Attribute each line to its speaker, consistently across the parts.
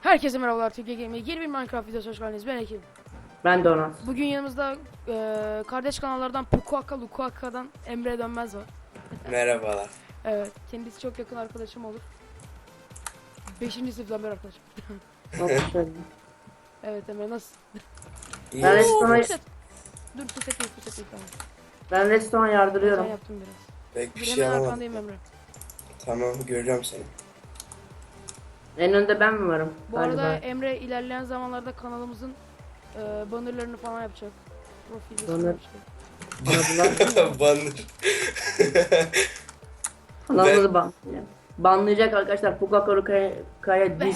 Speaker 1: Herkese merhabalar, Türkiye Game'e yeni bir Minecraft videosu hoş geldiniz. Ben Ekim.
Speaker 2: Ben de ona.
Speaker 1: Bugün yanımızda kardeş kanallardan Pukuaka Lukuaka'dan Emre Dönmez var.
Speaker 3: Merhabalar.
Speaker 1: Evet, kendisi çok yakın arkadaşım olur. 5. sınıftan beri arkadaşım. Evet Emre, nasıl?
Speaker 3: İyi.
Speaker 2: Ben restorana,
Speaker 1: Dur, puset değil tamam.
Speaker 2: ben restorana
Speaker 1: Ben
Speaker 2: yardırıyorum.
Speaker 1: yaptım biraz.
Speaker 3: Pek bir
Speaker 1: Dur,
Speaker 3: şey
Speaker 1: hemen
Speaker 3: alamadım.
Speaker 1: arkandayım Emre.
Speaker 3: Tamam, göreceğim seni.
Speaker 2: En önde ben mi varım?
Speaker 1: Bu arada Emre ilerleyen zamanlarda kanalımızın bannerlarını falan yapacak. Profil
Speaker 2: Banner.
Speaker 1: yapacak.
Speaker 3: Banır.
Speaker 2: Kanalımızı banlayacak arkadaşlar. Pukakoru Kaya diz.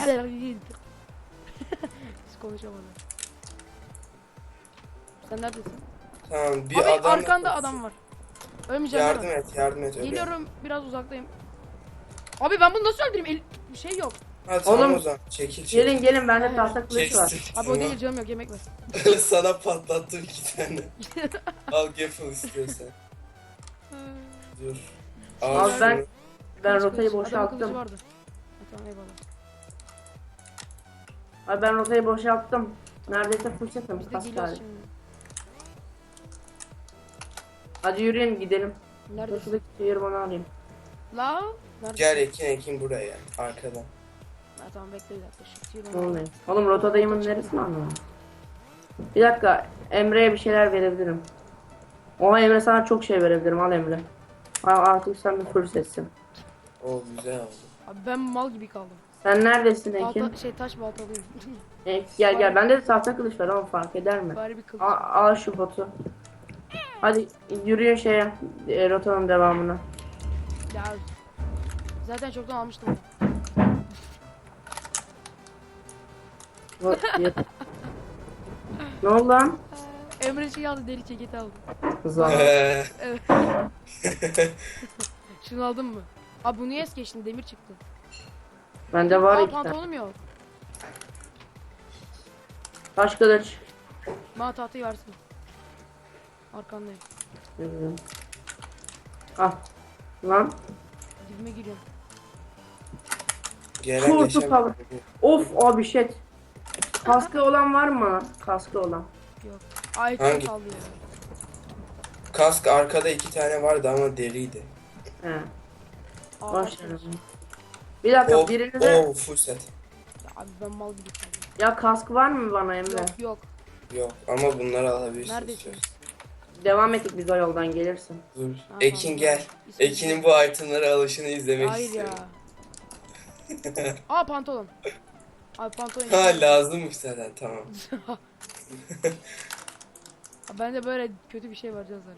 Speaker 1: Hiç konuşamadım. Sen neredesin?
Speaker 3: Tamam, bir
Speaker 1: Abi
Speaker 3: adam.
Speaker 1: arkanda adam var. Ölmeyeceğim
Speaker 3: Yardım
Speaker 1: değil mi?
Speaker 3: yardım et. Öyle.
Speaker 1: Geliyorum, biraz uzaktayım. Abi ben bunu nasıl öldüreyim? Bir şey yok.
Speaker 3: Ha tamam
Speaker 2: Oğlum,
Speaker 3: o zaman. Çekil.
Speaker 2: Gelin bende
Speaker 1: Aynen.
Speaker 2: tahta kılıç var.
Speaker 3: Kestim.
Speaker 1: Abi o değil, canım yok, yemek ver.
Speaker 3: Sana patlattım 2 tane. Al Geffel istiyorsan. Dur. Al
Speaker 2: Abi
Speaker 3: şunu.
Speaker 2: ben
Speaker 1: Kılıç,
Speaker 2: rotayı
Speaker 1: kılıç. Adamın kılıcı
Speaker 2: boşalttım.
Speaker 1: vardı. Ha, tamam, eyvallah.
Speaker 2: Abi ben rotayı boşalttım. Neredeyse fırçatım.
Speaker 1: Biz de geliyoruz şimdi.
Speaker 2: Hadi yürüyün gidelim.
Speaker 1: Neredesin?
Speaker 2: Şuradaki şehir bana alayım.
Speaker 1: La? Neredesin?
Speaker 3: Gel Ekin buraya. Arkadan.
Speaker 1: Ha, tamam, bekle bir dakika. Şu
Speaker 2: Ne
Speaker 1: tüyü
Speaker 2: oluyor? Oğlum rotadayımın neresini anlamadım. Bir dakika. Emre'ye bir şeyler verebilirim. Oha Emre, sana çok şey verebilirim. Al Emre. Al, artık sen bir fırsatsin.
Speaker 3: O güzel oldu.
Speaker 1: Abi ben mal gibi kaldım.
Speaker 2: Sen neredesin Ekin?
Speaker 1: Taş baltalıyım.
Speaker 2: Gel bende de tahta kılıç var ama fark eder mi?
Speaker 1: Bari bir kılıç.
Speaker 2: Al şu botu. Hadi yürüyün şeye, rotanın devamına.
Speaker 1: Ya. Zaten çoktan almıştım.
Speaker 2: Ne oldu lan?
Speaker 1: Emre şey aldı, deri ceketi aldı.
Speaker 2: Kızlar.
Speaker 1: Evet. Şunu aldın mı? Abi bu niye es geçtin? Demir çıktı.
Speaker 2: Bende var
Speaker 1: Aa,
Speaker 2: iki tane.
Speaker 1: pantolonum yok.
Speaker 2: Taş kılıç.
Speaker 1: Bana tahtayı versin. Arkandayım.
Speaker 2: Yürüyorum. Al. Lan.
Speaker 1: Dibime giriyorum.
Speaker 3: Gelen
Speaker 2: Kur,
Speaker 3: geçen.
Speaker 2: tut Of abi shit. Kaskı olan var mı? Kaskı olan.
Speaker 1: Yok. Ay
Speaker 3: Hangi?
Speaker 1: çok kaldı ya.
Speaker 3: Kask arkada 2 tane vardı ama deriydi.
Speaker 2: He.
Speaker 1: Aa,
Speaker 2: Boş
Speaker 1: taş
Speaker 2: ver.
Speaker 1: kılıç.
Speaker 2: Bir dakika
Speaker 3: Oh,
Speaker 2: birinize
Speaker 3: full set.
Speaker 1: Ya abi ben mal gibi kaldım.
Speaker 2: ya kask var mı bana Emre?
Speaker 1: Yok.
Speaker 3: Yok ama bunları alabilirsin.
Speaker 1: Neredesin?
Speaker 3: istiyorsan.
Speaker 2: Devam ettik biz o yoldan gelirsin.
Speaker 3: Dur.
Speaker 1: Ha,
Speaker 3: Ekin
Speaker 1: tamam.
Speaker 3: gel.
Speaker 1: İsmi-
Speaker 3: Ekin'in bu itemlara alışını izlemek
Speaker 1: Hayır ya.
Speaker 3: istiyorum.
Speaker 1: Aa, pantolon. Abi pantolon.
Speaker 3: Ha lazımmış zaten tamam.
Speaker 1: Abi bende böyle kötü bir şey var canım.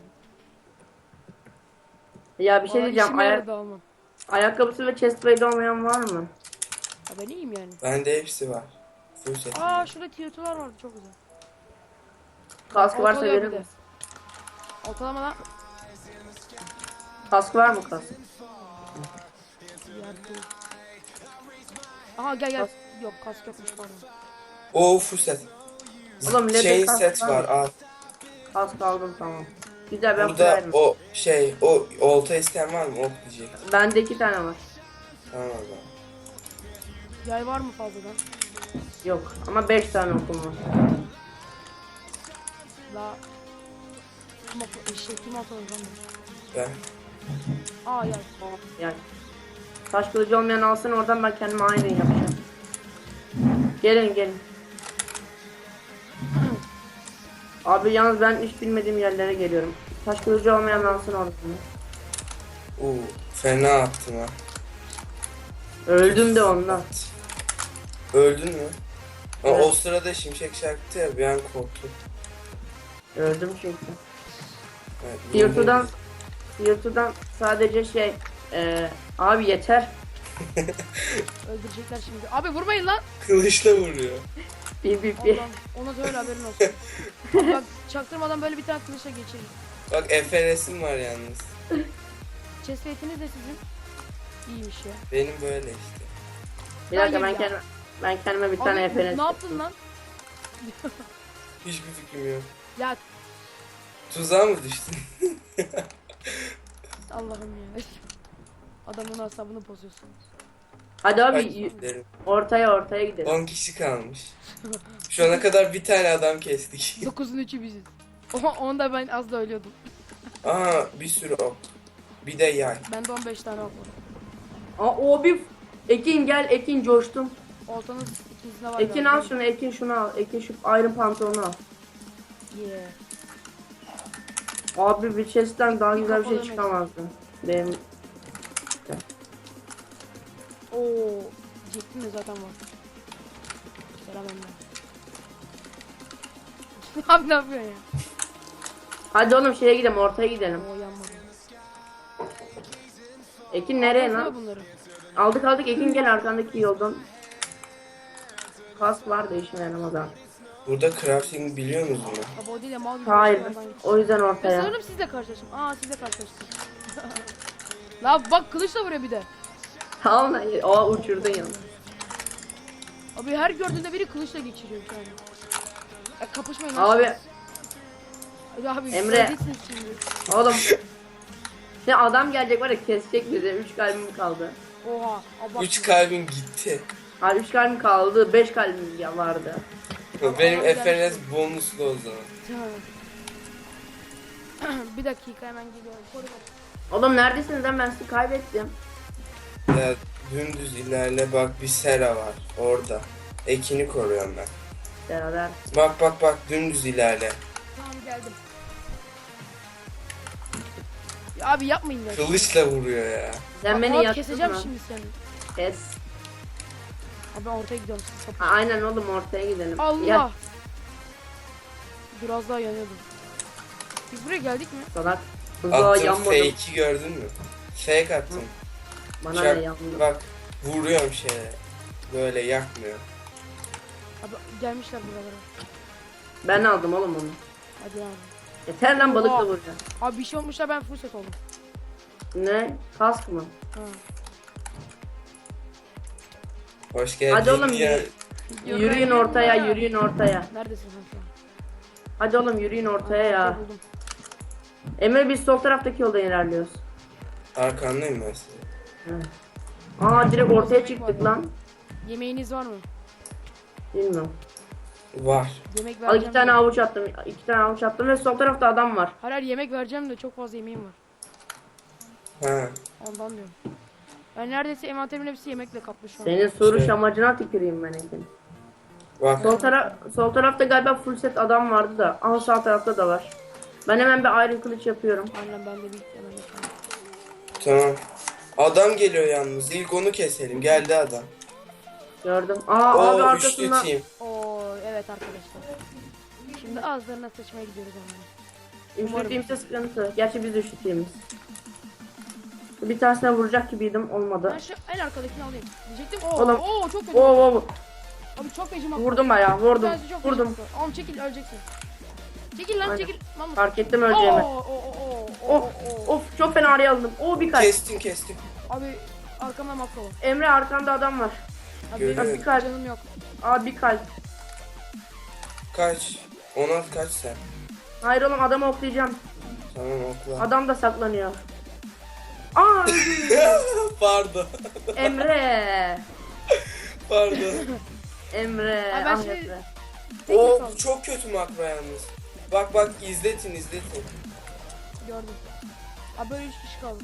Speaker 2: Ya bir şey diyeceğim.
Speaker 1: Almam.
Speaker 2: Ayakkabısı ve chestplate olmayan var mı?
Speaker 1: Ya ben iyiyim yani.
Speaker 3: Bende hepsi var. Full set.
Speaker 1: Aa, şurada tiyotular vardı, çok güzel.
Speaker 2: Kask varsa
Speaker 1: Ortalıyor
Speaker 2: verir
Speaker 1: bir de.
Speaker 2: misin?
Speaker 1: Ortalama lan.
Speaker 2: Kask var mı kask?
Speaker 1: Aha gel. Yok, kask yokmuş, pardon.
Speaker 3: Oo full set.
Speaker 2: Oğlum, leather
Speaker 3: Chain
Speaker 2: kask
Speaker 3: set
Speaker 2: var
Speaker 3: var
Speaker 2: mı?
Speaker 3: al.
Speaker 2: Kask aldım tamam. Güzel, ben
Speaker 3: Burada
Speaker 2: kurarım.
Speaker 3: o olta isteyen var mı? Ok diyecek.
Speaker 2: Bende 2 tane var.
Speaker 3: Tamam o zaman.
Speaker 1: Yay var mı fazladan?
Speaker 2: Yok ama 5 tane okum var.
Speaker 1: La. Kim atalım lan bu?
Speaker 3: Ben.
Speaker 1: Aa yay.
Speaker 2: Yani. Taş kılıcı olmayan alsın, oradan ben kendime aynı yapacağım. Gelin. Abi yalnız ben hiç bilmediğim yerlere geliyorum. Taş kılıcı olmayan alsın oradan.
Speaker 3: Oo fena attım ha.
Speaker 2: Öldüm de ondan.
Speaker 3: Öldün mü? Ama
Speaker 2: Evet.
Speaker 3: o sırada şimşek çaktı ya bir an korktum.
Speaker 2: Öldüm çünkü.
Speaker 3: Evet,
Speaker 2: YouTube'dan sadece abi yeter.
Speaker 1: Öldürecekler şimdi. Abi vurmayın lan.
Speaker 3: Kılıçla vuruyor.
Speaker 2: Bir.
Speaker 1: Allah'ım, ona da öyle haberin olsun. Abi bak, çaktırmadan böyle bir tane kılıçla geçelim.
Speaker 3: Bak Efe resim var yalnız.
Speaker 1: Chestplate'iniz de sizin. İyiymiş ya.
Speaker 3: Benim böyle işte.
Speaker 2: Bir dakika,
Speaker 1: Hayır
Speaker 2: ben kendime bir
Speaker 1: Abi
Speaker 2: tane FNS.
Speaker 1: ne yaptın lan?
Speaker 3: Hiçbir fikrim yok.
Speaker 1: Ya
Speaker 3: Tuzağa mı düştün?
Speaker 1: Allah'ım ya. Adamın asabını bozuyorsunuz.
Speaker 2: Hadi abi
Speaker 3: Gidelim.
Speaker 2: ortaya gidelim.
Speaker 3: 10 kişi kalmış. Şu ana kadar bir tane adam kestik.
Speaker 1: 9'un 3'ü biziz. Onda ben az da ölüyordum.
Speaker 3: Aa, bir sürü ok. Bir de yay.
Speaker 1: Bende 15 tane ok var.
Speaker 2: Aa, o bir Ekin gel, Ekin coştum.
Speaker 1: Oltanın ikisinde var.
Speaker 2: Ekin
Speaker 1: galiba.
Speaker 2: al şunu, Ekin şunu al. Ekin şu Iron pantolonu al.
Speaker 1: Yeah.
Speaker 2: Abi bir chest'ten daha
Speaker 1: Bir
Speaker 2: güzel bir şey
Speaker 1: kafalı
Speaker 2: çıkamazdı. Benim
Speaker 1: Oo, diyecektim de zaten var. Selam Emre. Abi ne yapıyorsun ya?
Speaker 2: Hadi oğlum şeye gidelim, ortaya gidelim.
Speaker 1: Oo yanmadı.
Speaker 2: Ekin nereye
Speaker 1: Alsana
Speaker 2: lan?
Speaker 1: bunları.
Speaker 2: Aldık Ekin gel arkandaki yoldan. Kask var da işine yaramaz abi.
Speaker 3: Burada crafting biliyor musunuz?
Speaker 1: Abi o değil de mal gibi.
Speaker 2: Hayır.
Speaker 1: şeylerden git.
Speaker 2: O yüzden
Speaker 1: Ben
Speaker 2: ortaya.
Speaker 1: sanırım sizle karşılaştım. Aa sizle karşılaştım. La bak kılıçla vuruyor bir de.
Speaker 2: Tamam lan. O uçurdun ya.
Speaker 1: Abi her gördüğünde biri kılıçla geçiriyor yani. Ya kapışmayın lan.
Speaker 2: Abi
Speaker 1: Hadi abi
Speaker 2: Emre.
Speaker 1: göreceksiniz şimdi.
Speaker 2: oğlum. Şimdi adam gelecek var ya kesecek bizi. 3 kalbim kaldı.
Speaker 1: Oha. Abart.
Speaker 3: 3 kalbim gitti.
Speaker 2: Hayır 3 kalbim kaldı. 5 kalbim ya vardı.
Speaker 3: Benim
Speaker 1: Aa,
Speaker 3: FNS bonuslu o zaman.
Speaker 1: Bir dakika hemen geliyorum. Koru bak.
Speaker 2: Oğlum neredesiniz lan, ben sizi kaybettim.
Speaker 3: Ya, dümdüz ilerle bak, bir sera var orada. Ekin'i koruyorum ben.
Speaker 2: Beraber.
Speaker 3: Bak dümdüz ilerle.
Speaker 1: Tamam geldim. Ya abi yapmayın ya.
Speaker 3: Kılıçla vuruyor ya.
Speaker 2: Sen beni
Speaker 1: Abi
Speaker 2: yaktın
Speaker 1: keseceğim
Speaker 2: mı?
Speaker 1: şimdi seni.
Speaker 2: Kes.
Speaker 1: Abi ben ortaya gidiyorum. Siz kapışın.
Speaker 2: Ha, aynen oğlum ortaya gidelim.
Speaker 1: Allah.
Speaker 2: Ya
Speaker 1: Biraz daha yanıyordum. Biz buraya geldik mi?
Speaker 2: salak. Hızla
Speaker 3: Attığım
Speaker 2: yanmadım.
Speaker 3: fake'i gördün mü? Fake attım.
Speaker 2: Bana
Speaker 3: Çak-
Speaker 2: ne yanmadım.
Speaker 3: Bak vuruyorum şeye. Böyle yakmıyor.
Speaker 1: Abi gelmişler buralara.
Speaker 2: Ben aldım oğlum onu.
Speaker 1: Hadi abi.
Speaker 2: Yeter lan balıkla
Speaker 1: Oha.
Speaker 2: vuracağım.
Speaker 1: Abi bir şey olmuşlar ben full set oldum.
Speaker 2: Ne? Kask mı?
Speaker 1: Ha.
Speaker 3: Hoş geldin
Speaker 2: Hadi oğlum
Speaker 3: ya.
Speaker 2: yürüyün ortaya, yürüyün ortaya.
Speaker 1: Neredesin sen şu an?
Speaker 2: Hadi oğlum yürüyün ortaya ya.
Speaker 1: Buldum.
Speaker 2: Emre biz sol taraftaki yoldan ilerliyoruz.
Speaker 3: Arkandayım ben size.
Speaker 2: Aa direkt ortaya çıktık lan.
Speaker 1: Yemeğiniz var mı?
Speaker 2: Bilmiyorum.
Speaker 3: Var.
Speaker 1: Yemek
Speaker 2: Al
Speaker 1: vereceğim.
Speaker 2: 2 tane
Speaker 1: de.
Speaker 2: avuç attım. 2 tane avuç attım ve sol tarafta adam var.
Speaker 1: Hayır yemek vereceğim de çok fazla yemeğim var.
Speaker 3: Ha.
Speaker 1: Ondan diyorum. Ben neredeyse envanterimin hepsi yemekle kaplı şu an.
Speaker 2: Senin soruş
Speaker 3: Şey-
Speaker 2: amacına tüküreyim ben Ekin.
Speaker 3: Bak.
Speaker 2: Sol tarafta galiba full set adam vardı da. Ama sağ tarafta da var. Ben hemen bir iron kılıç yapıyorum.
Speaker 1: Aynen ben de bir hemen yapayım.
Speaker 3: Tamam. Adam geliyor yalnız. İlk onu keselim. Geldi adam.
Speaker 2: Gördüm. Aa abi
Speaker 3: O üçlü
Speaker 2: arkasında.
Speaker 3: team.
Speaker 1: Oo evet arkadaşlar. Şimdi ağızlarına sıçmaya gidiyoruz hemen.
Speaker 2: Üçlü
Speaker 1: Umarım.
Speaker 2: team'se sıkıntı. Gerçi biz de üçlü team'iz. Bir tanesine vuracak gibiydim, olmadı.
Speaker 1: Ben şu en arkadakini alayım. Diyecektim.
Speaker 2: Oğlum.
Speaker 1: Oo çok kötü.
Speaker 2: Oo.
Speaker 1: Abi çok feci mak.
Speaker 2: Vurdum bayağı, vurdum.
Speaker 1: Tanesi çok
Speaker 2: Vurdum.
Speaker 1: feci mak. Oğlum çekil öleceksin. Çekil lan
Speaker 2: Aynen.
Speaker 1: çekil. Mamut.
Speaker 2: Fark ettim öleceğimi.
Speaker 1: Oo.
Speaker 2: Of çok fena araya aldım. Oo bir kalp.
Speaker 3: Kestim.
Speaker 1: Abi arkamda makro var.
Speaker 2: Emre arkanda adam var.
Speaker 1: Abi
Speaker 3: Görüyorum.
Speaker 1: benim
Speaker 2: Bir kalp.
Speaker 1: canım yok.
Speaker 2: Aa bir kalp.
Speaker 3: Kaç. Ona kaç sen.
Speaker 2: Hayır oğlum adamı oklayacağım.
Speaker 3: Tamam okla.
Speaker 2: Adam da saklanıyor. Aa
Speaker 3: Pardon.
Speaker 2: Emre.
Speaker 3: Pardon.
Speaker 2: Emre.
Speaker 1: Abi ben
Speaker 2: Ah
Speaker 1: şimdi-
Speaker 2: Emre.
Speaker 1: Tek
Speaker 3: O
Speaker 1: kaldım.
Speaker 3: çok kötü makro yalnız. Bak izletin.
Speaker 1: Gördüm. Abi böyle 3 kişi kaldı.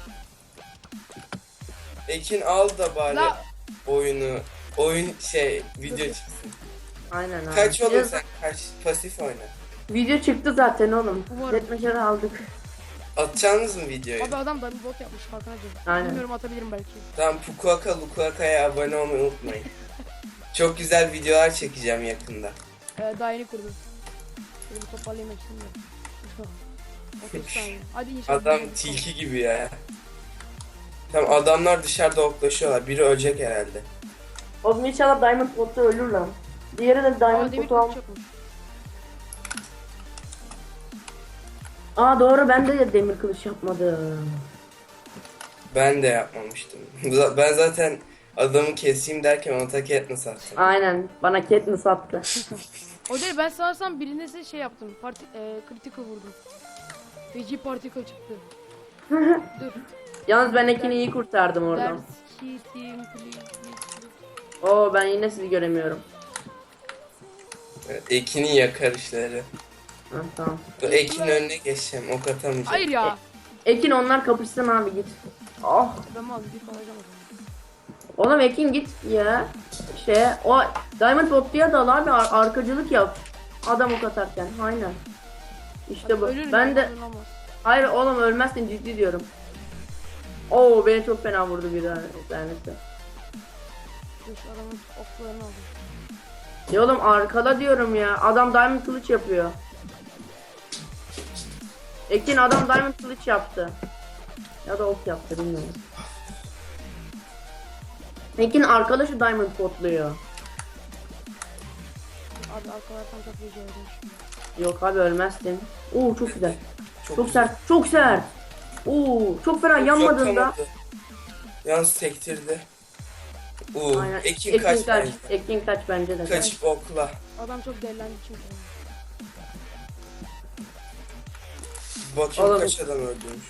Speaker 3: Ekin al da bari
Speaker 1: La-
Speaker 3: oyun video çıksın.
Speaker 2: Aynen abi.
Speaker 3: Kaç oğlum
Speaker 2: Biraz-
Speaker 3: sen, kaç pasif oyna.
Speaker 2: Video çıktı zaten oğlum.
Speaker 1: Umarım.
Speaker 2: Netmeşeri aldık.
Speaker 3: Atacaksınız mı videoyu?
Speaker 1: Abi adam da bir bot yapmış farkına değilim.
Speaker 2: Aynen.
Speaker 1: Bilmiyorum atabilirim belki.
Speaker 3: Tamam Lukuaka'ya abone olmayı unutmayın. Çok güzel videolar çekeceğim yakında.
Speaker 1: Daha yeni kurdum. Şöyle bir toparlayayım hepsini de. 30 saniye. Hadi inşallah.
Speaker 3: Adam
Speaker 1: bir-
Speaker 3: tilki gibi ya. Tamam adamlar dışarıda oklaşıyorlar. Biri ölecek herhalde.
Speaker 2: Oğlum inşallah Diamond Pot'ta ölür lan. Diğeri de
Speaker 1: Aa
Speaker 2: Diamond
Speaker 1: demir
Speaker 2: Pot'u al.
Speaker 1: kılıç yapmış.
Speaker 2: Aa doğru ben de demir kılıç yapmadım.
Speaker 3: Ben de yapmamıştım. Ben zaten adamı keseyim derken ona ta Katniss attım.
Speaker 2: Aynen bana Katniss attı.
Speaker 1: O değil ben sanırsam birine size şey yaptım. Critical vurdum. Feci particle çıktı. Dur.
Speaker 2: Yalnız ben Ekin'i iyi kurtardım oradan.
Speaker 1: Ders. Team, please.
Speaker 2: Oo ben yine sizi göremiyorum.
Speaker 3: Evet, Ekin'in yakarışları.
Speaker 2: Ha, tamam.
Speaker 3: Dur Ekin'in önüne geçeceğim. Ok atamayacağım.
Speaker 1: Hayır ya.
Speaker 2: Ekin onlar kapışsın abi git. Oh.
Speaker 1: Ben mal bir kalacağım o zaman.
Speaker 2: Oğlum Ekin git ya. O Diamond Bot'luya dal abi arkacılık yap. Adam ok atarken aynen. İşte bu.
Speaker 1: Ölürüm
Speaker 2: Ben
Speaker 1: ya,
Speaker 2: de
Speaker 1: ölmem.
Speaker 2: hayır oğlum ölmezsin ciddi diyorum. Oo beni çok fena vurdu bir tanesi.
Speaker 1: Dur şu adamın oklarını aldım.
Speaker 2: Ya oğlum arkada diyorum ya. Adam Diamond kılıç yapıyor. Ekin adam Diamond kılıç yaptı. Ya da ok yaptı bilmiyorum. Ekin arkadaşı Diamond botluyor.
Speaker 1: Abi arkalardan çok iyi gördüm.
Speaker 2: Yok abi ölmezsin. Oo çok güzel. Çok
Speaker 3: güzel.
Speaker 2: sert. Çok sert. Oo çok fena yanmadığında.
Speaker 3: Atamadı. Yalnız sektirdi.
Speaker 2: Aynen.
Speaker 3: Ekin kaç bence.
Speaker 2: Ekin kaç bence de.
Speaker 3: Kaçıp okla.
Speaker 1: Adam çok delilendi çünkü.
Speaker 3: Bakayım
Speaker 2: Oğlum.
Speaker 3: kaç adam öldürmüş.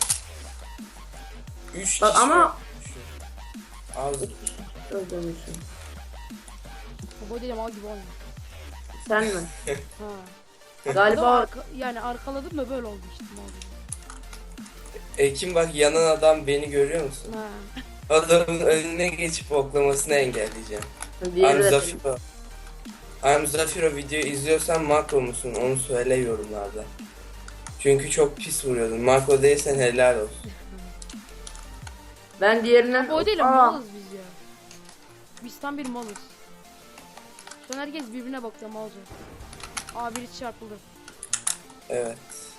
Speaker 3: 3
Speaker 2: Bak
Speaker 3: kişi
Speaker 2: ama-
Speaker 3: öldürmüş. Az.
Speaker 2: Öldürmüşsün.
Speaker 1: Bu değil mal gibi oynuyor.
Speaker 2: Sen mi?
Speaker 1: Ha.
Speaker 2: Galiba
Speaker 1: Yani arkaladım da böyle oldu işte mal gibi.
Speaker 3: Ekin bak yanan adam beni görüyor musun?
Speaker 1: Ha.
Speaker 3: Adamın önüne geçip oklamasını engelleyeceğim.
Speaker 2: diğeri
Speaker 3: I'm
Speaker 2: de
Speaker 3: Zafiro. I'm Zafiro video izliyorsan makro musun? Onu söyle yorumlarda. Çünkü çok pis vuruyordun. Makro değilsen helal olsun.
Speaker 2: ben diğerinden
Speaker 1: O değil
Speaker 2: Aa,
Speaker 1: malız biz ya. Biz tam bir malız. Şu an herkes birbirine bakıyor malca. Aa biri çarpıldı.
Speaker 3: Evet.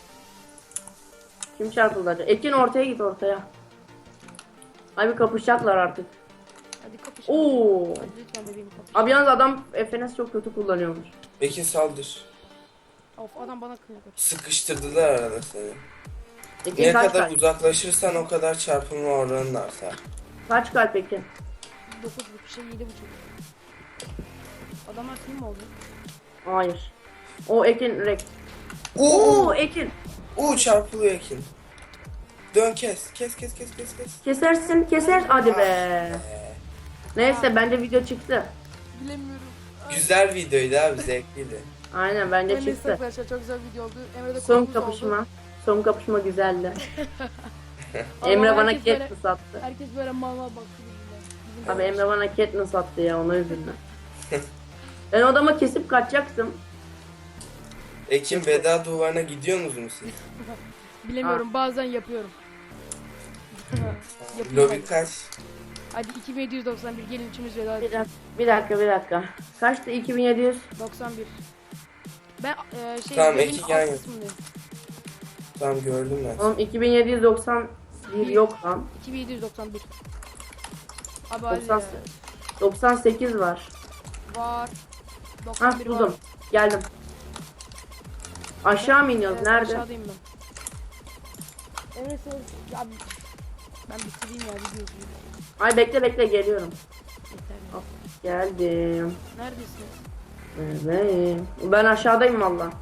Speaker 2: kim çarpıldı acaba? Ekin ortaya git ortaya. Abi kapışacaklar artık.
Speaker 1: Hadi kapış.
Speaker 2: Oo.
Speaker 1: Hadi lütfen bebeğim kapış.
Speaker 2: Abi yalnız adam FNS çok kötü kullanıyormuş.
Speaker 3: Ekin saldır.
Speaker 1: Of adam bana kıyıyor.
Speaker 3: Sıkıştırdılar arada seni.
Speaker 2: Ekin
Speaker 3: Ne
Speaker 2: kaç
Speaker 3: kadar
Speaker 2: kalp?
Speaker 3: uzaklaşırsan o kadar çarpılma oranın artar.
Speaker 2: Kaç kalp Ekin?
Speaker 1: 9,5 şey 7,5. Adamlar kim mi oldu?
Speaker 2: Hayır. O Ekin rek.
Speaker 3: Oo!
Speaker 2: Oo Ekin.
Speaker 3: Çarpılıyor Ekin. Dön kes. Kes.
Speaker 2: Kesersin keser hadi be. Neyse bence video çıktı.
Speaker 1: Bilemiyorum.
Speaker 3: Güzel videoydu abi zevkliydi.
Speaker 2: Aynen bence
Speaker 1: Neyse
Speaker 2: çıktı.
Speaker 1: arkadaşlar çok güzel video oldu. Emre'de
Speaker 2: Son
Speaker 1: konumuz
Speaker 2: kapışma.
Speaker 1: oldu.
Speaker 2: Son kapışma güzeldi.
Speaker 1: Ama
Speaker 2: Emre bana
Speaker 1: herkes böyle-
Speaker 2: Katniss attı.
Speaker 1: Herkes böyle mal mal baktı birbirine.
Speaker 2: Abi Emre bana Katniss attı ya ona üzüldüm. Ben o adamı kesip kaçacaktım.
Speaker 3: Ekin veda duvarına gidiyorsunuz mu siz?
Speaker 1: Bilemiyorum bazen yapıyorum. Yapıyorum.
Speaker 3: Lobi kaç?
Speaker 1: Hadi 2791 gelin üçümüz veda
Speaker 2: Bir dakika, bir dakika. Kaçtı 2700?
Speaker 1: 91. Ben
Speaker 3: Tamam,
Speaker 1: benim
Speaker 3: iki
Speaker 1: alt
Speaker 3: yan yok.
Speaker 1: kısmındayım.
Speaker 3: Tamam gördüm ben.
Speaker 2: Oğlum 2791 yok lan.
Speaker 1: 2791. Abi
Speaker 2: 90,
Speaker 1: hadi
Speaker 2: 98 var.
Speaker 1: var.
Speaker 2: Hah
Speaker 1: 91 var.
Speaker 2: buldum. Geldim. Aşağı mı iniyoruz?
Speaker 1: Evet,
Speaker 2: Nerede?
Speaker 1: Aşağıdayım ben. Evet abi ben bitireyim ya videoyu.
Speaker 2: Ay bekle geliyorum.
Speaker 1: Yeter ya.
Speaker 2: Hop, geldim.
Speaker 1: Neredesiniz?
Speaker 2: Evet. Ben aşağıdayım valla.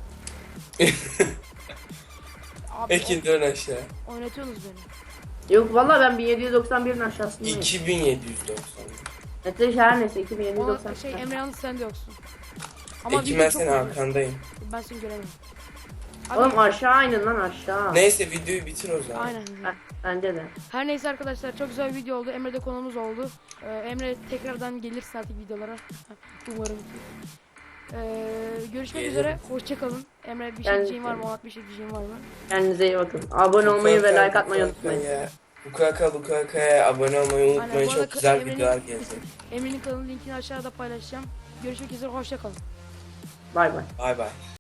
Speaker 1: Abi
Speaker 3: Ekin dön aşağı.
Speaker 1: oynatıyorsunuz beni.
Speaker 2: Yok valla ben 1791'in aşağısındayım.
Speaker 3: 2790.
Speaker 2: Evet her neyse
Speaker 1: Ona
Speaker 2: 2790.
Speaker 1: Emre yalnız sen de yoksun.
Speaker 3: Ekin
Speaker 1: video
Speaker 3: ben
Speaker 1: çok
Speaker 3: senin
Speaker 1: uzun.
Speaker 3: arkandayım.
Speaker 1: Ben seni göremiyorum. Abi,
Speaker 2: Oğlum aşağı inin lan aşağı.
Speaker 3: Neyse videoyu bitir o zaman.
Speaker 1: aynen.
Speaker 2: Heh, bence de.
Speaker 1: Her neyse arkadaşlar çok güzel bir video oldu. Emre de konumuz oldu. Emre tekrardan gelirsin artık videolara. Umarım ki. Görüşmek
Speaker 3: Gelirim.
Speaker 1: üzere. Hoşçakalın. Emre bir şey
Speaker 2: Yani-
Speaker 1: diyeceğin var mı? Onat bir şey diyeceğin var mı?
Speaker 2: Kendinize iyi bakın. Abone olmayı ve like atmayı unutmayın.
Speaker 3: Bukaka'ya abone olmayı
Speaker 1: Aynen,
Speaker 3: unutmayın.
Speaker 1: bu arada
Speaker 3: Çok güzel
Speaker 1: Emre'nin-
Speaker 3: videolar gelecek.
Speaker 1: Emre'nin kanalının linkini aşağıda paylaşacağım. Görüşmek üzere. Hoşçakalın.
Speaker 2: Bay bay.
Speaker 3: Bay bay.